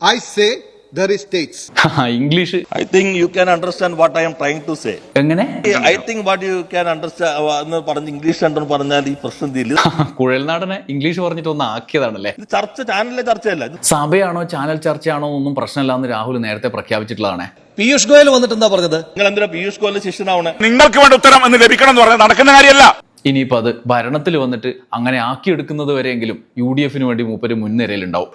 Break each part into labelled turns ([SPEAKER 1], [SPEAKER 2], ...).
[SPEAKER 1] I say there is states.
[SPEAKER 2] English
[SPEAKER 3] I think you can understand what I am trying to say.
[SPEAKER 2] എങ്ങനെ?
[SPEAKER 3] I think what you can understand എന്ന് പറഞ്ഞ് English കണ്ടെന്ന് പറഞ്ഞാൽ ഈ പ്രശ്നം തീരില്ല.
[SPEAKER 2] കുഴൽനാടനെ ഇംഗ്ലീഷ് പറഞ്ഞിട്ട് ഒന്ന് ആക്കിയതാണല്ലേ.
[SPEAKER 3] ഇത് ചാനലിലെ ചർച്ചയല്ല.
[SPEAKER 2] സഭയാണോ ചാനൽ ചർച്ചയാണോ ഒന്നും പ്രശ്നമില്ലാന്ന് രാഹുൽ നേരത്തെ പ്രഖ്യാപിച്ചിട്ടുള്ളതാണ്.
[SPEAKER 4] പീയൂഷ് ഗോയൽ വന്നിട്ട് എന്താ പറഞ്ഞത്?
[SPEAKER 3] നിങ്ങൾ എന്തിനാ പീയൂഷ് ഗോയലിന്റെ ശിഷ്യനാവണേ?
[SPEAKER 5] നിങ്ങൾക്ക് വേണ്ട ഉത്തരം എന്ന് ലഭിക്കണം എന്ന് പറഞ്ഞാൽ നടക്കുന്ന കാര്യമല്ല.
[SPEAKER 2] ഇനിയിപ്പോൾ അത് ഭരണത്തിൽ വന്നിട്ട് അങ്ങനെ ആക്കിയെടുക്കുന്നത് വരെയെങ്കിലും UDF വേണ്ടി മൂപ്പര് മുൻനിരയിലുണ്ടാവും.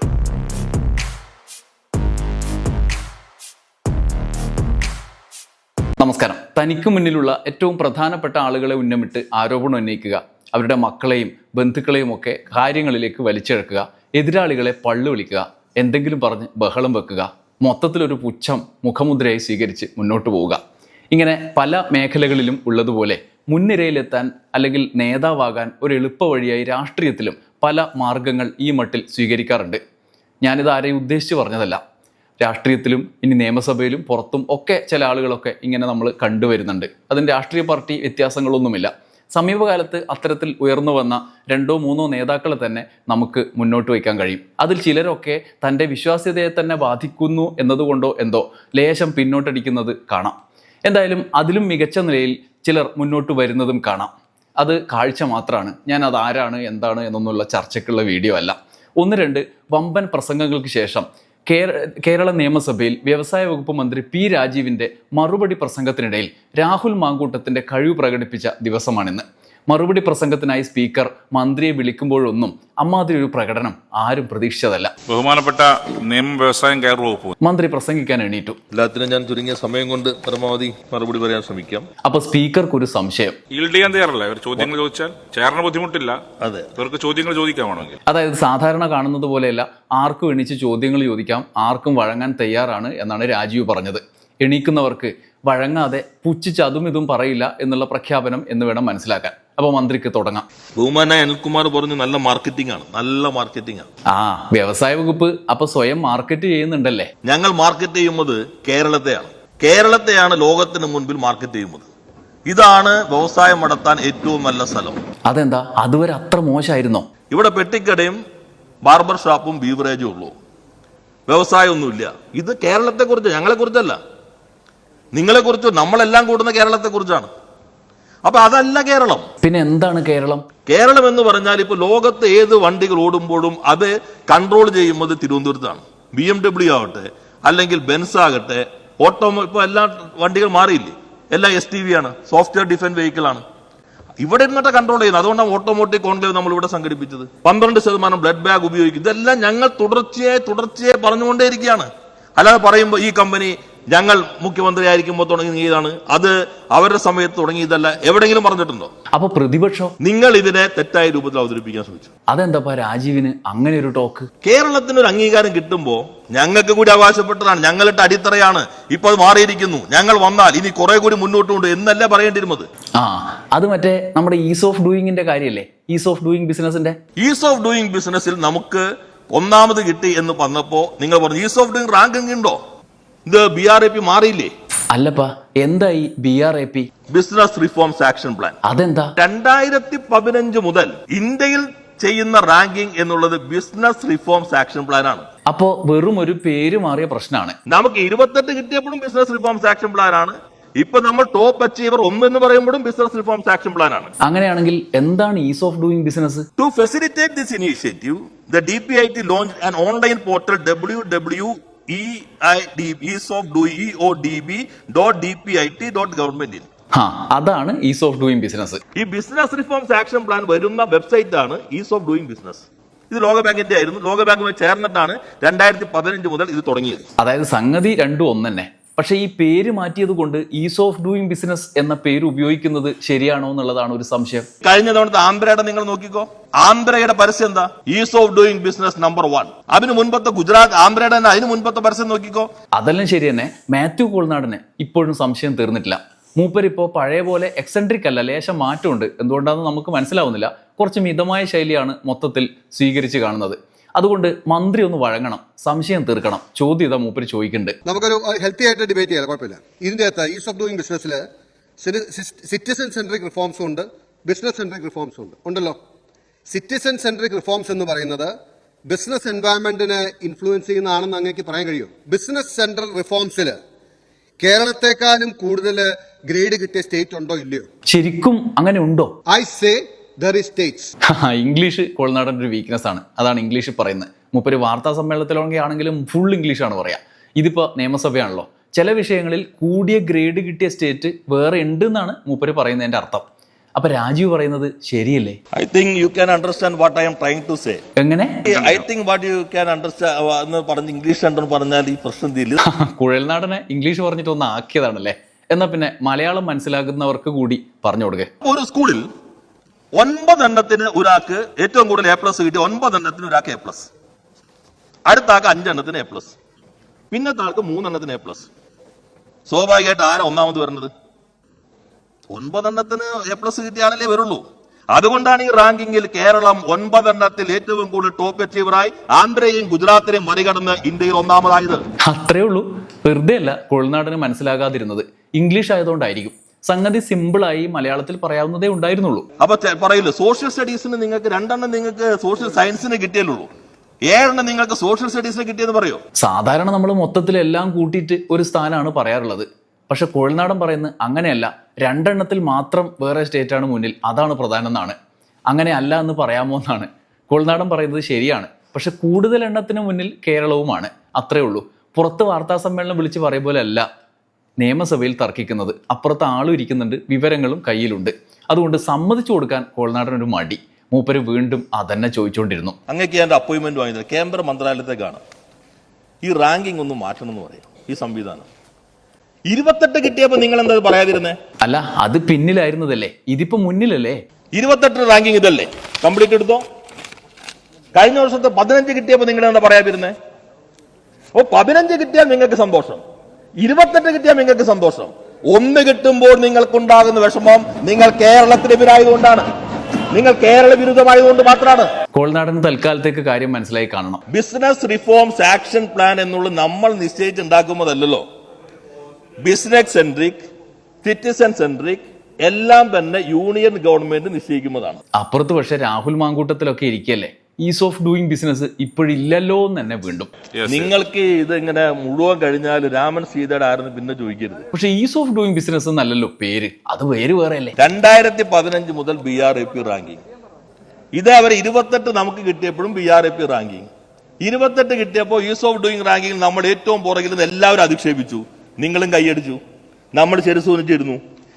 [SPEAKER 2] നമസ്കാരം. തനിക്ക് മുന്നിലുള്ള ഏറ്റവും പ്രധാനപ്പെട്ട ആളുകളെ ഉന്നമിട്ട് ആരോപണം ഉന്നയിക്കുക, അവരുടെ മക്കളെയും ബന്ധുക്കളെയും ഒക്കെ കാര്യങ്ങളിലേക്ക് വലിച്ചിഴക്കുക, എതിരാളികളെ പള്ളു വിളിക്കുക, എന്തെങ്കിലും പറഞ്ഞ് ബഹളം വെക്കുക, മൊത്തത്തിലൊരു പുച്ഛം മുഖമുദ്രയായി സ്വീകരിച്ച് മുന്നോട്ട് പോവുക. ഇങ്ങനെ പല മേഖലകളിലും ഉള്ളതുപോലെ മുൻനിരയിലെത്താൻ അല്ലെങ്കിൽ നേതാവാകാൻ ഒരു എളുപ്പ വഴിയായി രാഷ്ട്രീയത്തിലും പല മാർഗങ്ങൾ ഈ മട്ടിൽ സ്വീകരിക്കാറുണ്ട്. ഞാനിത് ആരെയും ഉദ്ദേശിച്ച് പറഞ്ഞതല്ല. രാഷ്ട്രീയത്തിലും ഇനി നിയമസഭയിലും പുറത്തും ഒക്കെ ചില ആളുകളൊക്കെ ഇങ്ങനെ നമ്മൾ കണ്ടുവരുന്നുണ്ട്. അതിന് രാഷ്ട്രീയ പാർട്ടി വ്യത്യാസങ്ങളൊന്നുമില്ല. സമീപകാലത്ത് അത്തരത്തിൽ ഉയർന്നു വന്ന 2-3 നേതാക്കളെ തന്നെ നമുക്ക് മുന്നോട്ട് വയ്ക്കാൻ കഴിയും. അതിൽ ചിലരൊക്കെ തൻ്റെ വിശ്വാസ്യതയെ തന്നെ ബാധിക്കുന്നു എന്നതുകൊണ്ടോ എന്തോ ലേശം പിന്നോട്ടടിക്കുന്നത് കാണാം. എന്തായാലും അതിലും മികച്ച നിലയിൽ ചിലർ മുന്നോട്ട് വരുന്നതും കാണാം. അത് കാഴ്ച മാത്രമാണ്. ഞാൻ അത് ആരാണ് എന്താണ് എന്നൊന്നുള്ള ചർച്ചയ്ക്കുള്ള വീഡിയോ അല്ല. 1-2 വമ്പൻ പ്രസംഗങ്ങൾക്ക് ശേഷം കേരള നിയമസഭയിൽ വ്യവസായ വകുപ്പ് മന്ത്രി P. രാജീവിൻ്റെ മറുപടി പ്രസംഗത്തിനിടയിൽ രാഹുൽ മാങ്കൂട്ടത്തിൻ്റെ കഴിവ് പ്രകടിപ്പിച്ച ദിവസമാണിന്ന്. മറുപടി പ്രസംഗത്തിനായി സ്പീക്കർ മന്ത്രിയെ വിളിക്കുമ്പോഴൊന്നും അമ്മാതിരി ഒരു പ്രകടനം ആരും പ്രതീക്ഷിച്ചതല്ല.
[SPEAKER 5] ബഹുമാനപ്പെട്ട നിയമ വ്യവസായം കയർ വകുപ്പ് മന്ത്രി
[SPEAKER 2] പ്രസംഗിക്കാൻ എണീറ്റു.
[SPEAKER 3] എല്ലാത്തിനും ഞാൻ ചുരുങ്ങിയ സമയം കൊണ്ട് പരമാവധി മറുപടി പറയാൻ ശ്രമിക്കാം.
[SPEAKER 2] അപ്പൊ സ്പീക്കർക്ക് ഒരു സംശയം.
[SPEAKER 5] ഈൽഡ് ചെയ്യാൻ തയ്യാറല്ല. ഇവർ ചോദ്യങ്ങൾ ചോദിച്ചാൽ ചേർന്ന ബുദ്ധിമുട്ടില്ല.
[SPEAKER 3] അതെ,
[SPEAKER 5] ഇവർക്ക് ചോദ്യങ്ങൾ ചോദിക്കാമാണെങ്കിൽ.
[SPEAKER 2] അതായത് സാധാരണ കാണുന്നത് പോലെയല്ല, ആർക്കും എണീച്ച് ചോദ്യങ്ങൾ ചോദിക്കാം, ആർക്കും വഴങ്ങാൻ തയ്യാറാണ് എന്നാണ് രാജീവ് പറഞ്ഞത്. എണീക്കുന്നവർക്ക് വഴങ്ങാതെ പുച്ഛിച്ച് അതും ഇതും പറയില്ല എന്നുള്ള പ്രഖ്യാപനം എന്ന് വേണം മനസ്സിലാക്കാൻ. അപ്പൊ മന്ത്രിക്ക് തുടങ്ങാം.
[SPEAKER 3] ബഹുമാനായ അനിൽകുമാർ പറഞ്ഞു നല്ല മാർക്കറ്റിംഗ് ആണ്, നല്ല മാർക്കറ്റിംഗ് ആണ്.
[SPEAKER 2] വ്യവസായ വകുപ്പ് അപ്പൊ സ്വയം മാർക്കറ്റ് ചെയ്യുന്നുണ്ടല്ലേ?
[SPEAKER 3] ഞങ്ങൾ മാർക്കറ്റ് ചെയ്യുന്നത് കേരളത്തെയാണ് ലോകത്തിന് മുൻപിൽ മാർക്കറ്റ് ചെയ്യുന്നത്. ഇതാണ് വ്യവസായം നടത്താൻ ഏറ്റവും നല്ല സ്ഥലം.
[SPEAKER 2] അതെന്താ അതുവരെ അത്ര മോശമായിരുന്നോ?
[SPEAKER 3] ഇവിടെ പെട്ടിക്കടയും ബാർബർ ഷോപ്പും ബീവറേജും ഉള്ളൂ, വ്യവസായം ഒന്നുമില്ല. ഇത് കേരളത്തെ കുറിച്ച്, ഞങ്ങളെ കുറിച്ചല്ല, നിങ്ങളെ കുറിച്ച്, നമ്മളെല്ലാം കൂടുന്ന കേരളത്തെ കുറിച്ചാണ്. അപ്പൊ അതല്ല കേരളം.
[SPEAKER 2] പിന്നെ എന്താണ് കേരളം?
[SPEAKER 3] കേരളം എന്ന് പറഞ്ഞാൽ ഇപ്പൊ ലോകത്ത് ഏത് വണ്ടികൾ ഓടുമ്പോഴും അത് കൺട്രോൾ ചെയ്യുന്നത് തിരുവനന്തപുരത്താണ്. BMW ആവട്ടെ, അല്ലെങ്കിൽ ബെൻസ് ആകട്ടെ, ഇപ്പൊ എല്ലാ വണ്ടികൾ മാറിയില്ലേ, എല്ലാം STV ആണ്, സോഫ്റ്റ്വെയർ ഡിഫൻസ് വെഹിക്കിൾ ആണ്. ഇവിടെ നിന്നിട്ട് കൺട്രോൾ ചെയ്യുന്നത്. അതുകൊണ്ടാണ് ഓട്ടോമോട്ടീവ് കോൺക്ലേവ് നമ്മൾ ഇവിടെ സംഘടിപ്പിച്ചത്. 12% ബ്ലഡ് ബാഗ് ഉപയോഗിക്കും. ഇതെല്ലാം ഞങ്ങൾ തുടർച്ചയായി പറഞ്ഞുകൊണ്ടേയിരിക്കുകയാണ്. അല്ലാതെ പറയുമ്പോൾ ഈ കമ്പനി ഞങ്ങൾ മുഖ്യമന്ത്രി ആയിരിക്കുമ്പോൾ തുടങ്ങിയതാണ്, അത് അവരുടെ സമയത്ത് തുടങ്ങിയതല്ല, എവിടെയെങ്കിലും പറഞ്ഞിട്ടുണ്ടോ?
[SPEAKER 2] അപ്പൊ പ്രതിപക്ഷം നിങ്ങൾ
[SPEAKER 3] ഇതിനെ തെറ്റായ രൂപത്തിൽ അവതരിപ്പിക്കാൻ ശ്രമിച്ചു.
[SPEAKER 2] അതെന്താ രാജീവിന് അങ്ങനെ ഒരു ടോക്ക്?
[SPEAKER 3] കേരളത്തിന് ഒരു അംഗീകാരം കിട്ടുമ്പോ ഞങ്ങൾക്ക് കൂടി അവകാശപ്പെട്ടതാണ്, ഞങ്ങളുടെ അടിത്തറയാണ്. ഇപ്പൊ അത് മാറിയിരിക്കുന്നു. ഞങ്ങൾ വന്നാൽ ഇനി കുറെ കൂടി മുന്നോട്ടുണ്ട് എന്നല്ല പറയേണ്ടിരുന്നത്.
[SPEAKER 2] അത് മറ്റേ നമ്മുടെ ഈസ് ഓഫ് ഡൂയിങ്ങിന്റെ കാര്യല്ലേ? ഈസ് ഓഫ് ഡൂയിങ് ബിസിനസിന്റെ
[SPEAKER 3] ഈസ് ഓഫ് ഡൂയിങ് ബിസിനസ്സിൽ നമുക്ക് ഒന്നാമത് കിട്ടി എന്ന് പറഞ്ഞപ്പോ നിങ്ങൾ പറഞ്ഞു ഈസ് ഓഫ് ഡൂയിങ് റാങ്കിങ് ഉണ്ടോ? ഇത് BRAP മാറിയില്ലേ?
[SPEAKER 2] അല്ലപ്പാ, എന്തായി BRAP?
[SPEAKER 3] Business reforms action plan.
[SPEAKER 2] അതെന്താ?
[SPEAKER 3] 2015 മുതൽ ഇന്ത്യയിൽ ചെയ്യുന്ന റാങ്കിങ് എന്നുള്ളത് ബിസിനസ് റിഫോംസ് ആക്ഷൻ പ്ലാൻ ആണ്.
[SPEAKER 2] അപ്പോ വെറും ഒരു പേര് മാറിയ പ്രശ്നമാണ്.
[SPEAKER 3] നമുക്ക് 28 കിട്ടിയപ്പോഴും ബിസിനസ് റിഫോംസ് ആക്ഷൻ പ്ലാൻ ആണ്. ഇപ്പൊ നമ്മൾ ടോപ്പ് അച്ചീവർ 1 എന്ന് പറയുമ്പോഴും ബിസിനസ് റിഫോംസ് ആക്ഷൻ പ്ലാൻ ആണ്.
[SPEAKER 2] അങ്ങനെയാണെങ്കിൽ എന്താണ് ease of doing business?
[SPEAKER 3] To facilitate this initiative, the DPIT launched an online portal www.eodb.dpit.government.
[SPEAKER 2] അതാണ് ഈസ് ഓഫ് ഡൂയിങ് ബിസിനസ്.
[SPEAKER 3] ഈ ബിസിനസ് റിഫോംസ് ആക്ഷൻ പ്ലാൻ വരുന്ന വെബ്സൈറ്റ് ആണ് ഈസ് ഓഫ് ഡൂയിങ് ബിസിനസ്. ഇത് ലോകബാങ്കിന്റെ ആയിരുന്നു. ലോകബാങ്കുമായി ചേർന്നിട്ടാണ് 2015 മുതൽ ഇത് തുടങ്ങിയത്.
[SPEAKER 2] അതായത് സംഗതി രണ്ടും ഒന്നെ. പക്ഷെ ഈ പേര് മാറ്റിയത് കൊണ്ട് ഈസ് ഓഫ് ഡൂയിങ് ബിസിനസ് എന്ന പേര് ഉപയോഗിക്കുന്നത് ശരിയാണോ എന്നുള്ളതാണ് ഒരു സംശയം.
[SPEAKER 3] കഴിഞ്ഞ തവണത്തെ ആന്ധ്രയുടെ നിങ്ങൾ നോക്കിക്കോ, ആന്ധ്രയുടെ പരസ്യം എന്താ? Ease of doing business number 1. അതിന് മുൻപത്തെ ഗുജറാത്ത് ആന്ധ്രയുടെ തന്നെ അതിന് മുൻപത്തെ പരസ്യം നോക്കിക്കോ.
[SPEAKER 2] അതെല്ലാം ശരി തന്നെ. മാത്യു കോൾനാടന് ഇപ്പോഴും സംശയം തീർന്നിട്ടില്ല. മൂപ്പരിപ്പോ പഴയ പോലെ എക്സെൻട്രിക് അല്ല, ലേശം മാറ്റമുണ്ട്. എന്തുകൊണ്ടാണെന്ന് നമുക്ക് മനസ്സിലാവുന്നില്ല. കുറച്ച് മിതമായ ശൈലിയാണ് മൊത്തത്തിൽ സ്വീകരിച്ച് കാണുന്നത്. അതുകൊണ്ട് മന്ത്രി ഒന്ന് വഴങ്ങണം, സംശയം തീർക്കണം. ചോദ്യത മൂപ്പര് ചോദിക്കുന്നുണ്ട്.
[SPEAKER 1] നമുക്കൊരു ഹെൽത്തി ആയിട്ട് ഡിബേറ്റ് ചെയ്യാം, കുഴപ്പമില്ല. ഇതിന്റെ അകത്ത് ഈസ് ഓഫ് ഡൂയിങ് ബിസിനസ്സിൽ സിറ്റിസൺ സെൻട്രിക് റിഫോംസും ഉണ്ട്, ബിസിനസ് സെൻട്രിക് റിഫോംസും ഉണ്ടല്ലോ. സിറ്റിസൺ സെൻട്രിക് റിഫോംസ് എന്ന് പറയുന്നത് ബിസിനസ് എൻവയറമെന്റിനെ ഇൻഫ്ലുവൻസ് ചെയ്യുന്നതാണെന്ന് അങ്ങേക്ക് പറയാൻ കഴിയും? ബിസിനസ് സെൻട്രൽ റിഫോംസിൽ കേരളത്തെക്കാളും കൂടുതൽ ഗ്രേഡ് കിട്ടിയ സ്റ്റേറ്റ് ഉണ്ടോ ഇല്ലയോ?
[SPEAKER 2] ശരിക്കും അങ്ങനെ ഉണ്ടോ?
[SPEAKER 1] I say there is states.
[SPEAKER 2] English കോൾനാടൻ്റെ ഒരു വീക്ക്നെസ് ആണ്. അതാണ് ഇംഗ്ലീഷ് പറയുന്നത്. മൂപ്പര് വാർത്താ സമ്മേളനത്തിലാണെങ്കിലും ഫുൾ ഇംഗ്ലീഷാണ് പറയാം. ഇതിപ്പോൾ നിയമസഭയാണല്ലോ. ചില വിഷയങ്ങളിൽ കൂടിയ ഗ്രേഡ് കിട്ടിയ സ്റ്റേറ്റ് വേറെ ഉണ്ട് എന്നാണ് മൂപ്പര് പറയുന്നതിന്റെ അർത്ഥം. അപ്പൊ രാജീവ് പറയുന്നത് ശരിയല്ലേ?
[SPEAKER 3] I think you can understand what I am trying to say.
[SPEAKER 2] എങ്ങനെ?
[SPEAKER 3] I think what you can understand എന്ന് പറഞ്ഞ് ഇംഗ്ലീഷ് ഉണ്ടെന്ന് പറഞ്ഞാൽ ഈ പ്രശ്നം തീരില്ല.
[SPEAKER 2] കുഴൽനാടനെ ഇംഗ്ലീഷ് പറഞ്ഞിട്ട് ഒന്ന് ആക്കിയതാണല്ലേ. എന്നാ പിന്നെ മലയാളം മനസ്സിലാക്കുന്നവർക്ക് കൂടി പറഞ്ഞു കൊടുക്കേ.
[SPEAKER 3] ഒരു സ്കൂളിൽ 9 എണ്ണത്തിന് ഒരാൾക്ക് ഏറ്റവും കൂടുതൽ A+ കിട്ടി, 9 എണ്ണത്തിന് ഒരാൾക്ക് A+, അടുത്ത ആൾക്ക് 5 എണ്ണത്തിന് A+, പിന്നത്തെ ആൾക്ക് 3 എണ്ണത്തിന് A+. സ്വാഭാവികമായിട്ട് ആരാ ഒന്നാമത് വരുന്നത്? 9 എണ്ണത്തിന് A+ കിട്ടിയാണല്ലേ വരുള്ളൂ. അതുകൊണ്ടാണ് ഈ റാങ്കിങ്ങിൽ കേരളം 9 എണ്ണത്തിൽ ഏറ്റവും കൂടുതൽ ടോപ്പ് അച്ചീവറായി ആന്ധ്രയെയും ഗുജറാത്തിനെയും മറികടന്ന് ഇന്ത്യയിൽ ഒന്നാമതായത്.
[SPEAKER 2] അത്രേ ഉള്ളൂ. വെറുതെ അല്ല കുഴൽനാടന് മനസ്സിലാകാതിരുന്നത്. ഇംഗ്ലീഷ് ആയതുകൊണ്ടായിരിക്കും. സംഗതി സിമ്പിളായി മലയാളത്തിൽ പറയാവുന്നതേ ഉണ്ടായിരുന്നുള്ളൂ.
[SPEAKER 3] അപ്പൊ പറയില്ല, സോഷ്യൽ സ്റ്റഡീസിന് നിങ്ങൾക്ക് 2 എണ്ണം നിങ്ങൾക്ക് സോഷ്യൽ സയൻസിന് കിട്ടിയല്ലോ, 7 എണ്ണം നിങ്ങൾക്ക് സോഷ്യൽ സ്റ്റഡീസിന് കിട്ടിയെന്ന് പറയോ?
[SPEAKER 2] സാധാരണ നമ്മൾ മൊത്തത്തിൽ എല്ലാം കൂട്ടിയിട്ട് ഒരു സ്ഥാനമാണ് പറയാറുള്ളത്. പക്ഷെ കുഴൽനാടൻ പറയുന്നത് അങ്ങനെയല്ല. 2 എണ്ണത്തിൽ മാത്രം വേറെ സ്റ്റേറ്റാണ് മുന്നിൽ, അതാണ് പ്രധാനം എന്നാണ്. അങ്ങനെ അല്ല എന്ന് പറയാമോ എന്നാണ്. കുഴൽനാടൻ പറയുന്നത് ശരിയാണ്. പക്ഷെ കൂടുതൽ എണ്ണത്തിന് മുന്നിൽ കേരളവുമാണ്. അത്രേ ഉള്ളൂ. പുറത്ത് വാർത്താ സമ്മേളനം വിളിച്ച് പറയും പോലെ അല്ല നിയമസഭയിൽ തർക്കിക്കുന്നത്. അപ്പുറത്ത് ആളും ഇരിക്കുന്നുണ്ട്, വിവരങ്ങളും കയ്യിലുണ്ട്. അതുകൊണ്ട് സമ്മതിച്ചു കൊടുക്കാൻ കുഴൽനാടനൊരു മടി. മൂപ്പര് വീണ്ടും അതന്നെ ചോദിച്ചുകൊണ്ടിരുന്നു.
[SPEAKER 3] അങ്ങേക്ക് എന്റെ അപ്പോയിന്റ്മെന്റ് വാങ്ങിയത് കേന്ദ്ര മന്ത്രാലയത്തേക്കാണ്. ഈ റാങ്കിങ് ഒന്ന് മാറ്റണം എന്ന് പറയാം. ഈ സംവിധാനം 28 കിട്ടിയപ്പോ നിങ്ങൾ എന്താ പറയാതിരുന്നേ?
[SPEAKER 2] അല്ല, അത് പിന്നിലായിരുന്നതല്ലേ, ഇതിപ്പോ മുന്നിലല്ലേ.
[SPEAKER 3] 28 റാങ്കിങ് ഇതല്ലേ, കംപ്ലീറ്റ് എടുത്തോ. കഴിഞ്ഞ വർഷത്തെ 15 കിട്ടിയപ്പോ നിങ്ങൾ എന്താ പറയാതിരുന്നേ? ഓ, 15 കിട്ടിയാൽ നിങ്ങൾക്ക് സന്തോഷം, 28 കിട്ടിയാൽ നിങ്ങൾക്ക് സന്തോഷം. 1 കിട്ടുമ്പോൾ നിങ്ങൾക്കുണ്ടാകുന്ന വിഷമം നിങ്ങൾ കേരളത്തിനെതിരായതുകൊണ്ടാണ്, നിങ്ങൾ കേരള വിരുദ്ധമായതുകൊണ്ട് മാത്രമാണ്.
[SPEAKER 2] കോൾനാടൻ തൽക്കാലത്തേക്ക് കാര്യം മനസ്സിലായി കാണണം.
[SPEAKER 3] ബിസിനസ് റിഫോംസ് ആക്ഷൻ പ്ലാൻ എന്നുള്ളത് നമ്മൾ നിശ്ചയിച്ചുണ്ടാക്കുന്നതല്ലോ. ബിസിനസ് സെൻട്രിക്, സിറ്റിസൺ സെൻട്രിക് എല്ലാം തന്നെ യൂണിയൻ ഗവൺമെന്റ് നിശ്ചയിക്കുന്നതാണ്.
[SPEAKER 2] അപ്പുറത്ത് പക്ഷെ രാഹുൽ മാങ്കൂട്ടത്തിലൊക്കെ ഇരിക്കല്ലേ. ഈസ് ഓഫ് ഡൂയിങ് ബിസിനസ് ഇപ്പോഴില്ലല്ലോ എന്ന് തന്നെ വീണ്ടും.
[SPEAKER 3] നിങ്ങൾക്ക് ഇത് ഇങ്ങനെ മുഴുവൻ കഴിഞ്ഞാൽ രാമൻ സീതയുടെ ആരെന്ന് പിന്നെ ചോദിക്കരുത്.
[SPEAKER 2] പക്ഷെ ഈസ് ഓഫ് ഡൂയിങ് ബിസിനസ് എന്നല്ലല്ലോ പേര്, അത് പേര് വേറെ അല്ലേ.
[SPEAKER 3] 2015 മുതൽ BRAP റാങ്കിങ്, ഇത് അവർ 28 നമുക്ക് കിട്ടിയപ്പോഴും BRAP റാങ്കിങ്, 28 കിട്ടിയപ്പോൾ ഈസ് ഓഫ് ഡൂയിങ് റാങ്കിങ് നമ്മൾ ഏറ്റവും പുറകിൽ നിന്ന് എല്ലാവരും അധിക്ഷേപിച്ചു, നിങ്ങളും കൈയടിച്ചു, നമ്മൾ ചെറുസൂനിച്ചിരുന്നു.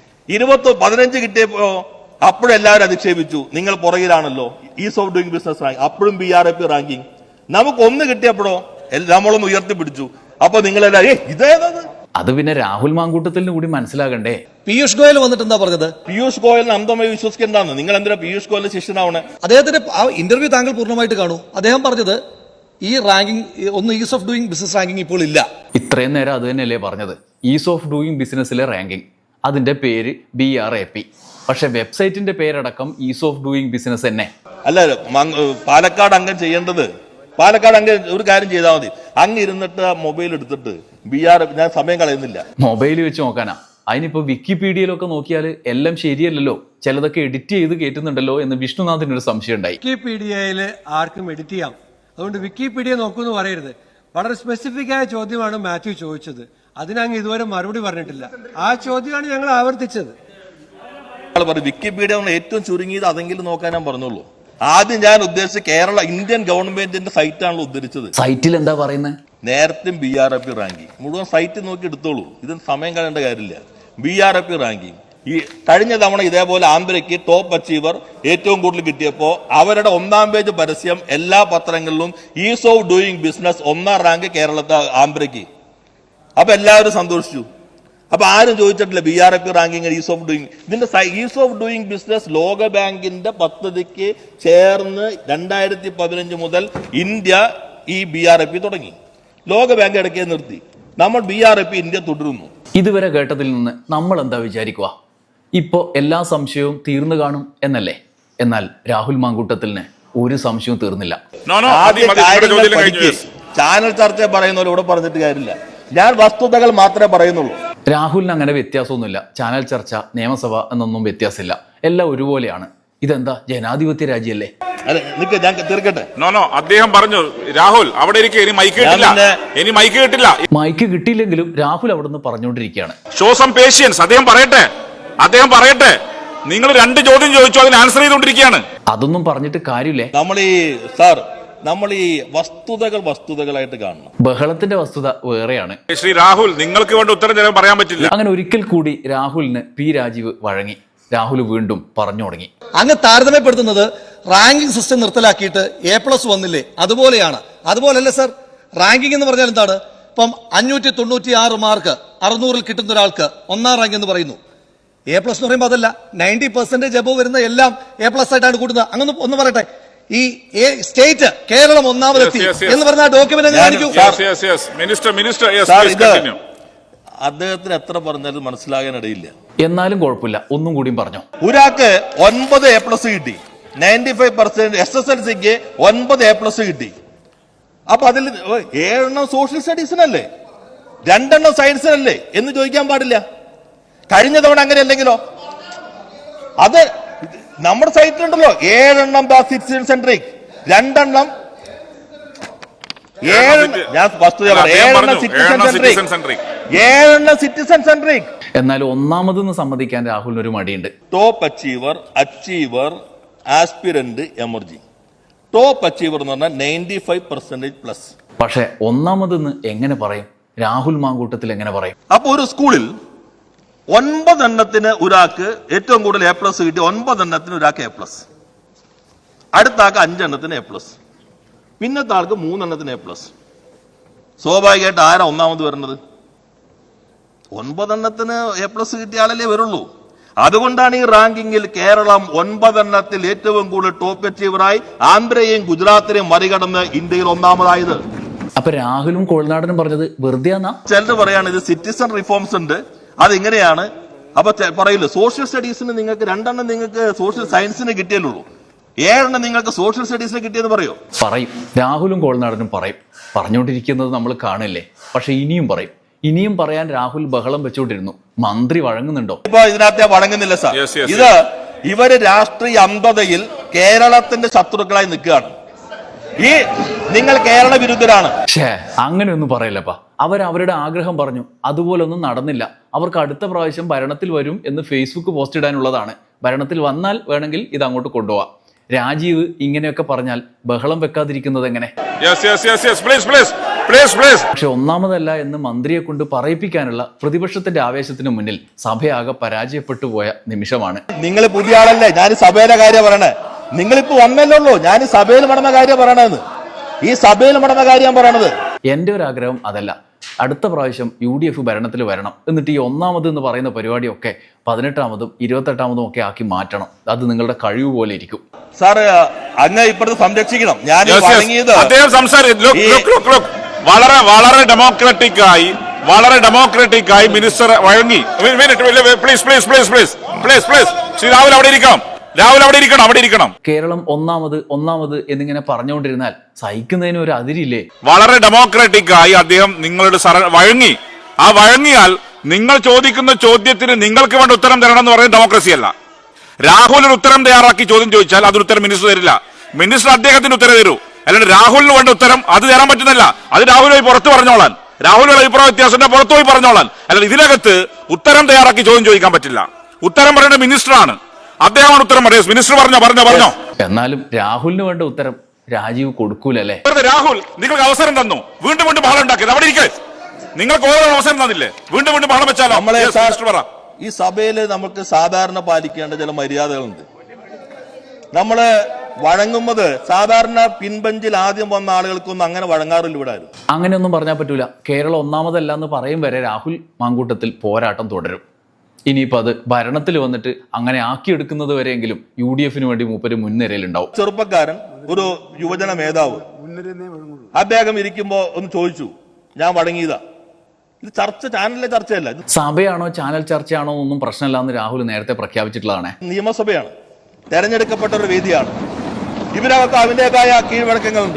[SPEAKER 3] 15 കിട്ടിയപ്പോ അപ്പോഴെല്ലാവരും അധിക്ഷേപിച്ചു, നിങ്ങൾ പുറകിലാണല്ലോ, ease of doing business rank, അപ്പോഴും BRAP റാങ്കിങ്. നമുക്ക് 1 കിട്ടിയപ്പോഴോ നമ്മളൊന്ന് ഉയർത്തിപ്പിടിച്ചു, അപ്പൊ നിങ്ങളെല്ലാവരും ഇതേതത്.
[SPEAKER 2] അത് പിന്നെ രാഹുൽ മാങ്കൂട്ടത്തിന് കൂടി മനസ്സിലാകണ്ടേ.
[SPEAKER 4] പീയൂഷ് ഗോയൽ വന്നിട്ട് എന്താ പറഞ്ഞത്?
[SPEAKER 3] പീയൂഷ് ഗോയലിന് അന്ധമായി വിശ്വസിക്കേണ്ടതാണ്. നിങ്ങൾ എന്തിനാ പീയൂഷ് ഗോയലിന്റെ ശിഷ്യനാവണേ?
[SPEAKER 4] അദ്ദേഹത്തിന്റെ ആ ഇന്റർവ്യൂ താങ്കൾ പൂർണ്ണമായിട്ട് കാണൂ. അദ്ദേഹം പറഞ്ഞത് ഈ റാങ്കിങ് ഒന്ന് ease of doing business ranking ഇപ്പോൾ ഇല്ല.
[SPEAKER 2] ഇത്രയും നേരം അത് തന്നെയല്ലേ പറഞ്ഞത്, ഈസ് ഓഫ് ഡൂയിങ് ബിസിനസ്സിലെ റാങ്കിങ്, അതിന്റെ പേര് BRAP. പക്ഷെ വെബ്സൈറ്റിന്റെ പേരടക്കം ഈസ് ഓഫ് ഡൂയിങ് ബിസിനസ് തന്നെ.
[SPEAKER 3] അല്ല, പാലക്കാട് അംഗം ചെയ്യേണ്ടത്, പാലക്കാട് അംഗം ഒരു കാര്യം ചെയ്താൽ മതി, അങ്ങ് ഇരുന്നിട്ട് മൊബൈൽ എടുത്തിട്ട് BRAP, ഞാൻ സമയം കളയുന്നില്ല,
[SPEAKER 2] മൊബൈൽ വെച്ച് നോക്കാനാ. അതിനിപ്പോ വിക്കിപീഡിയയിലൊക്കെ നോക്കിയാൽ എല്ലാം ശരിയല്ലല്ലോ, ചിലതൊക്കെ എഡിറ്റ് ചെയ്ത് കയറ്റുന്നുണ്ടല്ലോ എന്ന് വിഷ്ണുനാഥിനൊരു സംശയം ഉണ്ടായി.
[SPEAKER 6] വിക്കിപീഡിയയിൽ ആർക്കും എഡിറ്റ് ചെയ്യാം, അതുകൊണ്ട് വിക്കിപീഡിയ നോക്കൂന്ന് പറയരുത്. വളരെ സ്പെസിഫിക് ആയ ചോദ്യമാണ് മാത്യു ചോദിച്ചത്, അതിനങ്ങ് ഇതുവരെ മറുപടി പറഞ്ഞിട്ടില്ല. ആ ചോദ്യമാണ് ഞങ്ങൾ ആവർത്തിച്ചത്.
[SPEAKER 3] വിക്കിപീഡിയ ഏറ്റവും ചുരുങ്ങിയത് അതെങ്കിലും നോക്കാൻ ഞാൻ പറഞ്ഞുള്ളൂ. ആദ്യം ഞാൻ ഉദ്ദേശിച്ച കേരള ഇന്ത്യൻ ഗവൺമെന്റിന്റെ സൈറ്റാണല്ലോ ഉദ്ധരിച്ചത്.
[SPEAKER 2] സൈറ്റിൽ എന്താ പറയുന്നത്?
[SPEAKER 3] നേരത്തെ BRAP റാങ്കിങ് മുഴുവൻ സൈറ്റ് നോക്കി എടുത്തോളൂ, ഇതിന് സമയം കളയേണ്ട കാര്യമില്ല. BRAP റാങ്കിങ് ഈ കഴിഞ്ഞ തവണ ഇതേപോലെ ആന്ധ്രയ്ക്ക് ടോപ്പ് അച്ചീവർ ഏറ്റവും കൂടുതൽ കിട്ടിയപ്പോ അവരുടെ 1ാം പേജ് പരസ്യം എല്ലാ പത്രങ്ങളിലും ഈസ് ഓഫ് ഡൂയിങ് ബിസിനസ് 1ാം റാങ്ക് കേരളത്തെ ആന്ധ്രയ്ക്ക്. അപ്പൊ എല്ലാവരും സന്തോഷിച്ചു. അപ്പൊ ആരും ചോദിച്ചിട്ടില്ല BRAP ranking ease of doing. ഇതിന്റെ ഈസ് ഓഫ് ഡൂയിങ് ബിസിനസ് ലോക ബാങ്കിന്റെ പദ്ധതിക്ക് ചേർന്ന് 2015 മുതൽ ഇന്ത്യ ഈ BRAP തുടങ്ങി. ലോക ബാങ്ക് ഇടയ്ക്ക് നിർത്തി, നമ്മൾ BRAP ഇന്ത്യ തുടരുന്നു.
[SPEAKER 2] ഇതുവരെ കേട്ടതിൽ നിന്ന് നമ്മൾ എന്താ വിചാരിക്കുക? ഇപ്പോ എല്ലാ സംശയവും തീർന്നു കാണും എന്നല്ലേ? എന്നാൽ രാഹുൽ മാങ്കൂട്ടത്തിന് ഒരു സംശയവും തീർന്നില്ല.
[SPEAKER 3] ചാനൽ ചർച്ച പറയുന്നവർ ഇവിടെ പറഞ്ഞിട്ട് കാര്യമില്ല, ഞാൻ വസ്തുതകൾ മാത്രമേ പറയുന്നുള്ളൂ.
[SPEAKER 2] രാഹുലിന് അങ്ങനെ വ്യത്യാസമൊന്നുമില്ല. ചാനൽ ചർച്ച, നിയമസഭ എന്നൊന്നും വ്യത്യാസമില്ല, എല്ലാം ഒരുപോലെയാണ്. ഇതെന്താ ജനാധിപത്യ രാജ്യമല്ലേ?
[SPEAKER 3] അല്ല നിക്ക് ഞാൻ തീർക്കട്ടെ.
[SPEAKER 5] നോ അദ്ദേഹം പറഞ്ഞു രാഹുൽ അവിടെ ഇരിക്കെ ഇനി മൈക്ക് കിട്ടില്ല, ഇനി മൈക്ക് കിട്ടില്ല.
[SPEAKER 2] മൈക്ക് കിട്ടിയില്ലെങ്കിലും രാഹുൽ അവിടെ നിന്ന് പറഞ്ഞുകൊണ്ടിരിക്കുകയാണ്.
[SPEAKER 5] Show some patience. അദ്ദേഹം പറയട്ടെ. നിങ്ങൾ 2 ചോദ്യം ചോദിച്ചു, അതിന് ആൻസർ ചെയ്തുകൊണ്ടിരിക്കുകയാണ്.
[SPEAKER 2] അതൊന്നും പറഞ്ഞിട്ട് കാര്യമില്ലേ.
[SPEAKER 3] നമ്മൾ ഈ വസ്തുതകളായിട്ട് കാണണം.
[SPEAKER 2] ബഹളത്തിന്റെ വസ്തുത വേറെയാണ്.
[SPEAKER 5] ശ്രീ രാഹുൽ, നിങ്ങൾക്ക് വേണ്ട ഉത്തരം ചിലപ്പോൾ പറയാൻ പറ്റില്ല.
[SPEAKER 2] അങ്ങനെ ഒരിക്കൽ കൂടി രാഹുലിന് പി രാജീവ് വഴങ്ങി. രാഹുൽ വീണ്ടും പറഞ്ഞു തുടങ്ങി.
[SPEAKER 4] അങ്ങ് താരതമ്യപ്പെടുത്തുന്നത് റാങ്കിംഗ് സിസ്റ്റം നിർത്തലാക്കിയിട്ട് A+ വന്നില്ലേ, അതുപോലെയാണ്. അതുപോലല്ലേ സർ, റാങ്കിംഗ് എന്ന് പറഞ്ഞാൽ എന്താണ്? ഇപ്പം 596 മാർക്ക് 600-ൽ കിട്ടുന്ന ഒരാൾക്ക് 1ാം റാങ്ക് എന്ന് പറയുന്നു. A+ എന്ന് പറയുമ്പോൾ അതല്ല, 90% എബോവ് വരുന്ന എല്ലാം A+ ആയിട്ടാണ് കൂടുന്നത്. അങ്ങനെ ഒന്ന് പറയട്ടെ, ഈ സ്റ്റേറ്റ് കേരളം 1ാമതെത്തി എന്ന് പറഞ്ഞ ഡോക്യുമെന്റ് കാണിക്കൂ.
[SPEAKER 3] അദ്ദേഹത്തിന് എത്ര പറഞ്ഞാലും മനസ്സിലാകാനിടയില്ല.
[SPEAKER 2] എന്നാലും കുഴപ്പമില്ല, ഒന്നും കൂടിയും പറഞ്ഞു.
[SPEAKER 3] ഒരാൾക്ക് 9 A+ കിട്ടി, 95% SSLCക്ക് 9 A+ കിട്ടി. അപ്പൊ അതിൽ 7 സോഷ്യൽ സ്റ്റഡീസിനല്ലേ, 2 സയൻസിനല്ലേ എന്ന് ചോദിക്കാൻ പാടില്ല. കഴിഞ്ഞ തവണ അങ്ങനെ അല്ലെങ്കിലോ? അത് നമ്മുടെ സൈറ്റിലുണ്ടല്ലോ, 7 സിറ്റിസൺ സെൻട്രിക്, 2 ഞാൻ വസ്തുത 7 സിറ്റിസൺ സെൻട്രിക്.
[SPEAKER 2] എന്നാലും 1ാമതെന്ന് സമ്മതിക്കാൻ രാഹുലിന് ഒരു മടിയുണ്ട്.
[SPEAKER 3] Top achiever, aspirant, emerging. Top achiever എന്ന് പറഞ്ഞാൽ 95%+.
[SPEAKER 2] പക്ഷെ 1ാമതെന്ന് എങ്ങനെ പറയും? രാഹുൽ മാങ്കൂട്ടത്തിൽ എങ്ങനെ പറയും?
[SPEAKER 3] അപ്പൊ ഒരു സ്കൂളിൽ 9 എണ്ണത്തിന് ഒരാൾക്ക് ഏറ്റവും കൂടുതൽ A+ കിട്ടി, 9 എണ്ണത്തിന് ഒരാൾക്ക് A+, അടുത്ത ആൾക്ക് 5 എണ്ണത്തിന് A+, പിന്നത്തെ ആൾക്ക് 3 എണ്ണത്തിന് A+. സ്വാഭാവികമായിട്ട് ആരാ 1ാമത് വരുന്നത്? 9 എണ്ണത്തിന് A+ കിട്ടിയ ആളല്ലേ വരുള്ളൂ. അതുകൊണ്ടാണ് ഈ റാങ്കിങ്ങിൽ കേരളം 9 എണ്ണത്തിൽ ഏറ്റവും കൂടുതൽ ടോപ്പ് അച്ചീവറായി ആന്ധ്രയെയും ഗുജറാത്തിനെയും മറികടന്ന് ഇന്ത്യയിൽ 1ാമതായത്.
[SPEAKER 2] അപ്പൊ രാഹുലും കോൾനാടനും പറഞ്ഞത് വെറുതെ
[SPEAKER 3] ചിലർ പറയാണ് ഇത് സിറ്റിസൺ റിഫോംസ് ഉണ്ട്, അതിങ്ങനെയാണ്. അപ്പൊ പറയില്ല, സോഷ്യൽ സ്റ്റഡീസിന് നിങ്ങൾക്ക് 2 നിങ്ങൾക്ക് സോഷ്യൽ സയൻസിന് കിട്ടിയല്ലോ, 7 നിങ്ങൾക്ക് സോഷ്യൽ സ്റ്റഡീസിന് കിട്ടിയെന്ന് പറയും.
[SPEAKER 2] രാഹുലും കോൾനാടനും പറയും. പറഞ്ഞുകൊണ്ടിരിക്കുന്നത് നമ്മൾ കാണില്ലേ. പക്ഷെ ഇനിയും പറയാൻ രാഹുൽ ബഹളം വെച്ചുകൊണ്ടിരുന്നു. മന്ത്രി വഴങ്ങുന്നുണ്ടോ?
[SPEAKER 3] ഇപ്പൊ ഇതിനകത്ത് വഴങ്ങുന്നില്ല സാർ. ഇവര് രാഷ്ട്രീയ അന്ധതയിൽ കേരളത്തിന്റെ ശത്രുക്കളായി നിൽക്കുകയാണ്. നിങ്ങൾ കേരള വിരുദ്ധരാണ്.
[SPEAKER 2] അങ്ങനെയൊന്നും പറയില്ലപ്പാ. അവരുടെ ആഗ്രഹം പറഞ്ഞു, അതുപോലെ ഒന്നും നടന്നില്ല. അവർക്ക് അടുത്ത പ്രാവശ്യം ഭരണത്തിൽ വരും എന്ന് ഫേസ്ബുക്ക് പോസ്റ്റ് ഇടാനുള്ളതാണ്. ഭരണത്തിൽ വന്നാൽ വേണമെങ്കിൽ ഇത് അങ്ങോട്ട് കൊണ്ടുപോവാം. രാജീവ് ഇങ്ങനെയൊക്കെ പറഞ്ഞാൽ ബഹളം വെക്കാതിരിക്കുന്നത് എങ്ങനെ? പക്ഷെ 1ാമതല്ല എന്ന് മന്ത്രിയെ കൊണ്ട് പറയിപ്പിക്കാനുള്ള പ്രതിപക്ഷത്തിന്റെ ആവേശത്തിന് മുന്നിൽ സഭയാകെ പരാജയപ്പെട്ടു പോയ നിമിഷമാണ്.
[SPEAKER 3] നിങ്ങൾ പുതിയ ആളല്ലേ, ഞാൻ സഭയിലെ കാര്യം പറയണേ. നിങ്ങളിപ്പോ വന്നല്ലോ, ഞാൻ സഭയിൽ നടന്ന കാര്യം പറയണെന്ന്. ഈ സഭയിൽ നടന്ന കാര്യം പറയണത്.
[SPEAKER 2] എന്റെ ഒരു ആഗ്രഹം അതല്ല, അടുത്ത പ്രാവശ്യം UDF ഭരണത്തിൽ വരണം. എന്നിട്ട് ഈ 1ാമത് എന്ന് പറയുന്ന പരിപാടിയൊക്കെ 18ാമതും 28ാമതും ഒക്കെ ആക്കി മാറ്റണം. അത് നിങ്ങളുടെ കഴിവ് പോലെ ഇരിക്കും.
[SPEAKER 3] സാറ് അങ്ങ് ഇപ്പോഴത്തെ സംരക്ഷിക്കണം. ഞാൻ
[SPEAKER 5] വളരെ ഡെമോക്രാറ്റിക്കായി മിനിസ്റ്റർ വഴങ്ങി. ശ്രീ രാഹുൽ അവിടെ ഇരിക്കണം.
[SPEAKER 2] കേരളം 1ാമത് എന്നിങ്ങനെ പറഞ്ഞുകൊണ്ടിരുന്നാൽ സഹിക്കുന്നതിന് ഒരു അതിരില്ലേ?
[SPEAKER 5] വളരെ ഡെമോക്രാറ്റിക്കായി അദ്ദേഹം നിങ്ങളുടെ വഴങ്ങി. ആ വഴങ്ങിയാൽ നിങ്ങൾ ചോദിക്കുന്ന ചോദ്യത്തിന് നിങ്ങൾക്ക് വേണ്ട ഉത്തരം തരണം എന്ന് പറയുന്നത് ഡെമോക്രസി അല്ല. രാഹുൽ ഒരു ഉത്തരം തയ്യാറാക്കി ചോദ്യം ചോദിച്ചാൽ അതൊരു ഉത്തരം മിനിസ്റ്റർ തരില്ല. മിനിസ്റ്റർ അദ്ദേഹത്തിന് ഉത്തരം തരൂ. അല്ലാണ്ട് രാഹുലിന് വേണ്ട ഉത്തരം അത് തരാൻ പറ്റുന്നില്ല. അത് രാഹുൽ പോയി പുറത്ത് പറഞ്ഞോളാൻ, രാഹുലിന്റെ അഭിപ്രായ വ്യത്യാസത്തിന്റെ പുറത്തു പോയി പറഞ്ഞോളാൻ. അല്ലാണ്ട് ഇതിനകത്ത് ഉത്തരം തയ്യാറാക്കി ചോദ്യം ചോദിക്കാൻ പറ്റില്ല. ഉത്തരം പറയേണ്ട മിനിസ്റ്ററാണ്. അദ്ദേഹമാണ് ഉത്തരം പറയുന്നത്. മിനിസ്റ്റർ പറഞ്ഞോ.
[SPEAKER 2] എന്നാലും രാഹുലിന് വേണ്ട ഉത്തരം രാജീവ് കൊടുക്കൂലല്ലേ?
[SPEAKER 5] രാഹുൽ നിങ്ങൾക്ക് അവസരം തന്നു, വീണ്ടും ബഹളം ഉണ്ടാക്കിയത്. അവിടെ ഇരിക്കേ, നിങ്ങൾക്ക് ഓരോ അവസരം തന്നില്ലേ, വീണ്ടും ബഹളം വെച്ചാലോ?
[SPEAKER 3] ഈ സഭയിൽ നമുക്ക് സാധാരണ പാലിക്കേണ്ട ചില മര്യാദകളുണ്ട്. നമ്മള് വഴങ്ങുന്നത് സാധാരണ പിൻബെഞ്ചിൽ ആദ്യം വന്ന ആളുകൾക്കൊന്നും അങ്ങനെ വഴങ്ങാറില്ല ഇവിടെ.
[SPEAKER 2] അങ്ങനെയൊന്നും പറഞ്ഞാൽ പറ്റൂല. കേരളം 1ാമതല്ല എന്ന് പറയും വരെ രാഹുൽ മാങ്കൂട്ടത്തിൽ പോരാട്ടം തുടരും. ഇനിയിപ്പോൾ അത് ഭരണത്തിൽ വന്നിട്ട് അങ്ങനെ ആക്കിയെടുക്കുന്നത് വരെയെങ്കിലും UDFന് വേണ്ടി മൂപ്പര് മുൻനിരയിലുണ്ടാവും.
[SPEAKER 3] ചെറുപ്പക്കാരൻ ഒരു യുവജന മേധാവ് അദ്ദേഹം ഇരിക്കുമ്പോ ഒന്ന് ചോദിച്ചു, ഞാൻ വഴങ്ങിയതാ. ഇത് ചാനലിലെ ചർച്ചയല്ല.
[SPEAKER 2] സഭയാണോ ചാനൽ ചർച്ചയാണോ ഒന്നും പ്രശ്നമില്ല എന്ന് രാഹുൽ നേരത്തെ പ്രഖ്യാപിച്ചിട്ടുള്ളതാണ്.
[SPEAKER 3] നിയമസഭയാണ്, തെരഞ്ഞെടുക്കപ്പെട്ട ഒരു വേദിയാണ്. ഇവരവർക്ക് അതിന്റേതായ കീഴ്വഴക്കങ്ങളുണ്ട്.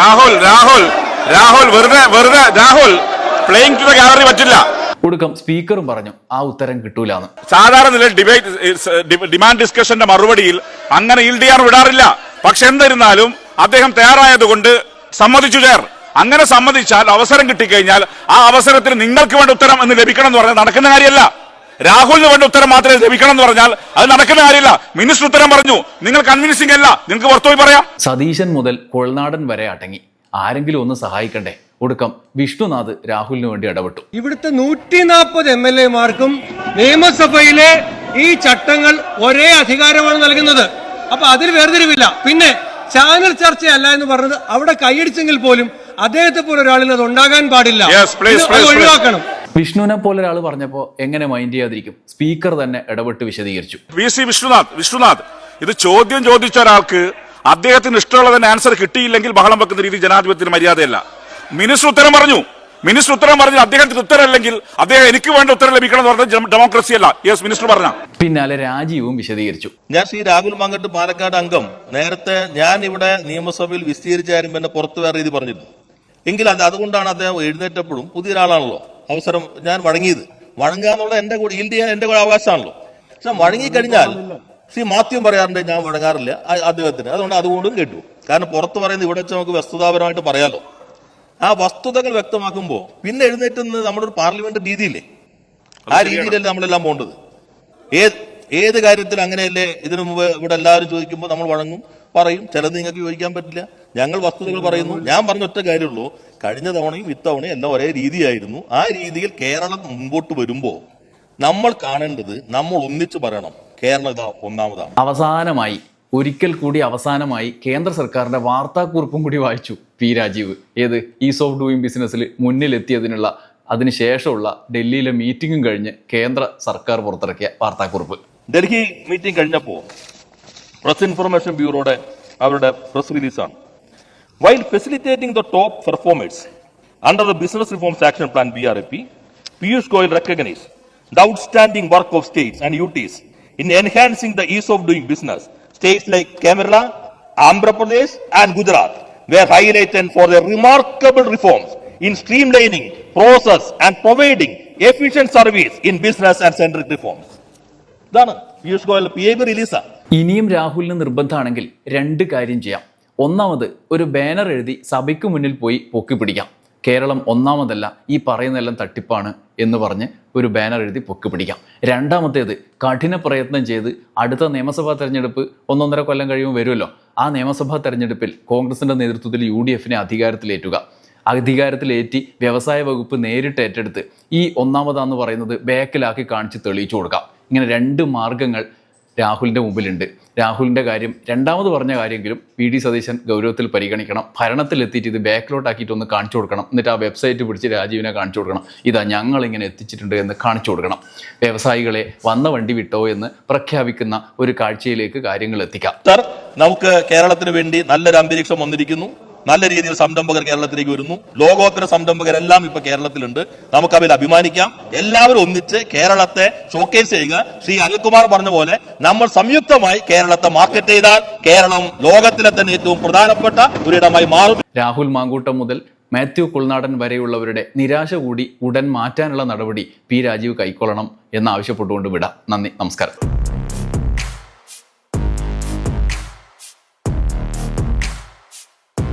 [SPEAKER 5] Rahul playing to the gallery പറ്റില്ല.
[SPEAKER 2] ഒടുക്കം സ്പീക്കറും പറഞ്ഞു ആ ഉത്തരം കിട്ടൂലെന്ന്.
[SPEAKER 5] സാധാരണ നിലയിൽ ഡിമാൻഡ് ഡിസ്കഷന്റെ മറുപടിയിൽ അങ്ങനെ ഈൽഡ് ചെയ്യാൻ വിടാറില്ല. പക്ഷെ എന്നിരുന്നാലും അദ്ദേഹം തയ്യാറായതുകൊണ്ട് സമ്മതിച്ചു ചേർ. അങ്ങനെ സമ്മതിച്ചാൽ അവസരം കിട്ടിക്കഴിഞ്ഞാൽ ആ അവസരത്തിൽ നിങ്ങൾക്ക് വേണ്ട ഉത്തരം എന്ന് ലഭിക്കണം എന്ന് പറഞ്ഞാൽ നടക്കുന്ന കാര്യമല്ല. രാഹുലിന് വേണ്ട ഉത്തരം മാത്രമേ ലഭിക്കണം എന്ന് പറഞ്ഞാൽ അത് നടക്കുന്ന കാര്യമില്ല. മിനിസ്റ്റർ ഉത്തരം പറഞ്ഞു, നിങ്ങൾ കൺവിൻസിംഗ് അല്ല, നിങ്ങൾക്ക് പുറത്തുപോയി പറയാം.
[SPEAKER 2] സതീശൻ മുതൽ കൊൾനാടൻ വരെ അടങ്ങി ആരെങ്കിലും ഒന്ന് സഹായിക്കണ്ടേ? ഒടുക്കം വിഷ്ണുനാഥ് രാഹുലിന് വേണ്ടി ഇടപെട്ടു.
[SPEAKER 6] ഇവിടുത്തെ 140 MLA-മാർക്കും നിയമസഭയിലെ ഈ ചട്ടങ്ങൾ ഒരേ അധികാരമാണ് നൽകുന്നത്. അപ്പൊ അതിൽ വേർതിരിവില്ല. പിന്നെ ചാനൽ ചർച്ചയല്ല എന്ന് പറഞ്ഞത് അവിടെ കൈയടിച്ചെങ്കിൽ പോലും അദ്ദേഹത്തെ പോലെ ഒരാളിന് അത് ഉണ്ടാകാൻ പാടില്ല. അത് ഒഴിവാക്കണം.
[SPEAKER 2] വിഷ്ണുവിനെ പോലെ ഒരാൾ പറഞ്ഞപ്പോ എങ്ങനെ മൈൻഡ് ചെയ്യാതിരിക്കും? സ്പീക്കർ തന്നെ ഇടപെട്ട് വിശദീകരിച്ചു.
[SPEAKER 5] VC വിഷ്ണുനാഥ് ഇത് ചോദ്യം ചോദിച്ച ഒരാൾക്ക് അദ്ദേഹത്തിന് ഇഷ്ടമുള്ള തന്നെ ആൻസർ കിട്ടിയില്ലെങ്കിൽ ബഹളം വെക്കുന്ന രീതി ജനാധിപത്യത്തിന് മര്യാദയല്ല. മിനിസ്റ്റർ ഉത്തരം പറഞ്ഞു, അദ്ദേഹത്തിന് ഉത്തരം അല്ലെങ്കിൽ അദ്ദേഹം എനിക്ക് വേണ്ട ഉത്തരം ലഭിക്കണം എന്ന് പറഞ്ഞാൽ ഡെമോക്രസി അല്ല. യെസ്, മിനിസ്റ്റർ പറഞ്ഞ
[SPEAKER 2] പിന്നാലെ രാജീവും വിശദീകരിച്ചു.
[SPEAKER 3] ഞാൻ ശ്രീ രാഹുൽ മാങ്കട്ട് പാലക്കാട് അംഗം നേരത്തെ ഞാൻ ഇവിടെ നിയമസഭയിൽ വിസ്തീരിച്ച കാര്യം പിന്നെ പുറത്തു വേറെ രീതി പറഞ്ഞിരുന്നു എങ്കിൽ അതുകൊണ്ടാണ് അദ്ദേഹം എഴുന്നേറ്റപ്പോഴും പുതിയ ഒരാളാണല്ലോ അവസരം ഞാൻ വഴങ്ങുക എന്നുള്ള എന്റെ കൂടെ അവകാശമാണല്ലോ. പക്ഷെ വഴങ്ങിക്കഴിഞ്ഞാൽ ശ്രീ മാത്യു പറയാറുണ്ട് ഞാൻ വഴങ്ങാറില്ല അദ്ദേഹത്തിന്. അതുകൊണ്ടും കേട്ടു. കാരണം പുറത്ത് പറയുന്നത് ഇവിടെ വെച്ച് നമുക്ക് വസ്തുതാപരമായിട്ട് പറയാലോ. ആ വസ്തുതകൾ വ്യക്തമാക്കുമ്പോൾ പിന്നെ എഴുന്നേറ്റുന്നത് നമ്മുടെ ഒരു പാർലമെന്റ് രീതിയില്ലേ, ആ രീതിയിലല്ലേ നമ്മളെല്ലാം പോകേണ്ടത്. ഏത് കാര്യത്തിൽ അങ്ങനെയല്ലേ? ഇതിനു മുമ്പ് ഇവിടെ എല്ലാവരും ചോദിക്കുമ്പോൾ നമ്മൾ വഴങ്ങും, പറയും. ചിലത് നിങ്ങൾക്ക് ചോദിക്കാൻ പറ്റില്ല. ഞങ്ങൾ വസ്തുതകൾ പറയുന്നു. ഞാൻ പറഞ്ഞ ഒറ്റ കാര്യമുള്ളൂ, കഴിഞ്ഞ തവണയും ഇത്തവണയും എല്ലാം ഒരേ രീതിയായിരുന്നു. ആ രീതിയിൽ കേരളം മുമ്പോട്ട് വരുമ്പോൾ നമ്മൾ കാണേണ്ടത് നമ്മൾ ഒന്നിച്ചു പറയണം, കേരളം ഇതാ ഒന്നാമതാണ്.
[SPEAKER 2] അവസാനമായി ഒരിക്കൽ കൂടി കേന്ദ്ര സർക്കാരിന്റെ വാർത്താക്കുറിപ്പും കൂടി വായിച്ചു പി രാജീവ്. ഏത് ഈസ് ഓഫ് ഡൂയിങ് ബിസിനസ്സിൽ മുന്നിലെത്തിയതിനുള്ള അതിനുശേഷമുള്ള ഡൽഹിയിലെ മീറ്റിംഗും കഴിഞ്ഞ് കേന്ദ്ര സർക്കാർ പുറത്തിറക്കിയ വാർത്താക്കുറിപ്പ്.
[SPEAKER 3] ഡൽഹി മീറ്റിംഗ് കഴിഞ്ഞപ്പോൾ പ്രസ് ഇൻഫർമേഷൻ ബ്യൂറോയുടെ അവരുടെ പ്രസ് റിലീസാണ്. While facilitating the top performers under the business reforms action plan BRAP, Piyush Goyal recognized the outstanding work of states and UTs in enhancing the ease of doing business. States like Kerala, Andhra Pradesh and Gujarat were highlighted for their remarkable reforms in streamlining process and providing efficient service in business and centric reforms. ഇതാണ് Piyush Goyal PIB റിലീസാണ്.
[SPEAKER 2] ഇനിയും രാഹുലിന് നിർബന്ധമാണെങ്കിൽ 2 കാര്യം ചെയ്യാം. ഒന്നാമത് ഒരു banner എഴുതി സഭയ്ക്ക് മുന്നിൽ പോയി പൊക്കി പിടിക്കാം. കേരളം ഒന്നാമതല്ല, ഈ പറയുന്നതെല്ലാം തട്ടിപ്പാണ് എന്ന് പറഞ്ഞ് ഒരു ബാനർ എഴുതി പൊക്കി പിടിക്കാം. രണ്ടാമത്തേത് കഠിന പ്രയത്നം ചെയ്ത് അടുത്ത നിയമസഭാ തെരഞ്ഞെടുപ്പ് 1.5 കൊല്ലം കഴിയുമ്പോൾ വരുമല്ലോ. ആ നിയമസഭാ തെരഞ്ഞെടുപ്പിൽ കോൺഗ്രസിന്റെ നേതൃത്വത്തിൽ UDF-നെ അധികാരത്തിലേറ്റി വ്യവസായ വകുപ്പ് നേരിട്ട് ഏറ്റെടുത്ത് ഈ ഒന്നാമതാന്ന് പറയുന്നത് ബാക്കിലാക്കി കാണിച്ച് തെളിയിച്ചു കൊടുക്കാം. ഇങ്ങനെ 2 മാർഗങ്ങൾ രാഹുലിൻ്റെ മുമ്പിലുണ്ട്. രാഹുലിൻ്റെ കാര്യം രണ്ടാമത് പറഞ്ഞ കാര്യമെങ്കിലും VD സതീശൻ ഗൗരവത്തിൽ പരിഗണിക്കണം. ഭരണത്തിലെത്തിയിട്ട് ഇത് ബാക്കിലോട്ടാക്കിയിട്ട് ഒന്ന് കാണിച്ചു കൊടുക്കണം. എന്നിട്ട് ആ വെബ്സൈറ്റ് പിടിച്ച് രാജീവിനെ കാണിച്ചു കൊടുക്കണം. ഇതാ ഞങ്ങളിങ്ങനെ എത്തിച്ചിട്ടുണ്ട് എന്ന് കാണിച്ചു കൊടുക്കണം. വ്യവസായികളെ വന്ന വണ്ടി വിട്ടോ എന്ന് പ്രഖ്യാപിക്കുന്ന ഒരു കാഴ്ചയിലേക്ക് കാര്യങ്ങൾ എത്തിക്കാം.
[SPEAKER 3] സർ, നമുക്ക് കേരളത്തിന് വേണ്ടി നല്ലൊരു അന്തരീക്ഷം വന്നിരിക്കുന്നു. നല്ല രീതിയിൽ സംരംഭകർ കേരളത്തിലേക്ക് വരുന്നു. ലോകോത്തര സംരംഭകരെല്ലാം ഇപ്പൊ കേരളത്തിലുണ്ട്. നമുക്ക് അതിൽ അഭിമാനിക്കാം. എല്ലാവരും ഒന്നിച്ച് കേരളത്തെ ഷോക്കേസ് ചെയ്യുക. ശ്രീ അനിൽകുമാർ പറഞ്ഞ പോലെ നമ്മൾ സംയുക്തമായി കേരളത്തെ മാർക്കറ്റ് ചെയ്താൽ കേരളം ലോകത്തിലെ തന്നെ ഏറ്റവും പ്രധാനപ്പെട്ട ഒരിടമായി മാറും.
[SPEAKER 2] രാഹുൽ മാങ്കൂട്ടം മുതൽ മാത്യു കുൾനാടൻ വരെയുള്ളവരുടെ നിരാശ കൂടി ഉടൻ മാറ്റാനുള്ള നടപടി പി രാജീവ് കൈക്കൊള്ളണം എന്നാവശ്യപ്പെട്ടുകൊണ്ട് വിടാം. നന്ദി, നമസ്കാരം.